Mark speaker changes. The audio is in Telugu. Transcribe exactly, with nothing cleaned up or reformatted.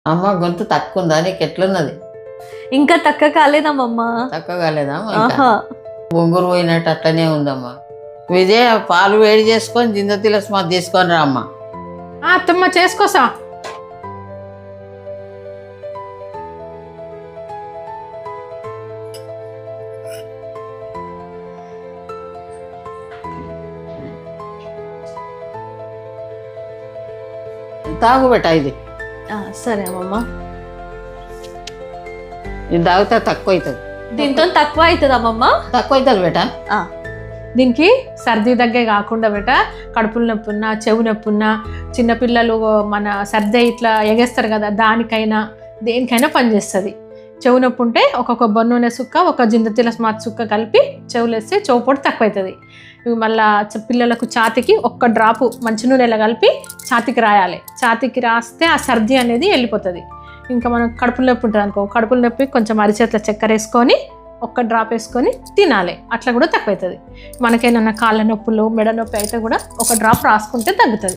Speaker 1: అమ్మ గొంతు తక్కువ ఉందా నీకు ఎట్లున్నది?
Speaker 2: ఇంకా తక్కువ కాలేదమ్మా.
Speaker 1: తక్కువ కాలేదా?
Speaker 2: ఆహా
Speaker 1: బొంగురు పోయినట్టు అట్లనే ఉందమ్మా. విజయ పాలు వేడి చేసుకొని జింద తిలస్ మాది తీసుకొని రా అమ్మ.
Speaker 3: అత్తమ్మ చేసుకోసా.
Speaker 1: తాగు బెట ఇది.
Speaker 2: ఆ, సరే అమ్మమ్మ.
Speaker 1: ఇది తాగితే తక్కువ అవుతుంది.
Speaker 2: దీంతో తక్కువ అవుతుంది అమ్మమ్మ.
Speaker 1: తక్కువ అవుతుంది బేట.
Speaker 3: దీనికి సర్ది దగ్గే కాకుండా బేట కడుపులు నొప్పి ఉన్నా చెవు నొప్పి ఉన్నా చిన్నపిల్లలు మన సర్ది ఇట్లా ఎగేస్తారు కదా, దానికైనా దేనికైనా పనిచేస్తుంది. చెవు నొప్పి ఉంటే ఒక కొబ్బరి నూనె సుక్క ఒక జిందతిల స్మార్ట్ సుక్క కలిపి చెవులు వేస్తే చెవు పొడి తక్కువ అవుతుంది. ఇవి మళ్ళీ పిల్లలకు ఛాతికి ఒక్క డ్రాపు మంచి నూనెలా కలిపి ఛాతికి రాయాలి. ఛాతికి రాస్తే ఆ సర్ది అనేది వెళ్ళిపోతుంది. ఇంకా మనం కడుపులు నొప్పి ఉంటుంది అనుకో, కడుపులు నొప్పి కొంచెం అరిచేట్ల చక్కెర వేసుకొని ఒక్క డ్రాప్ వేసుకొని తినాలి. అట్లా కూడా తక్కువ అవుతుంది. మనకేమన్నా కాళ్ళ నొప్పులు మెడ నొప్పి అయితే కూడా ఒక డ్రాప్ రాసుకుంటే తగ్గుతుంది.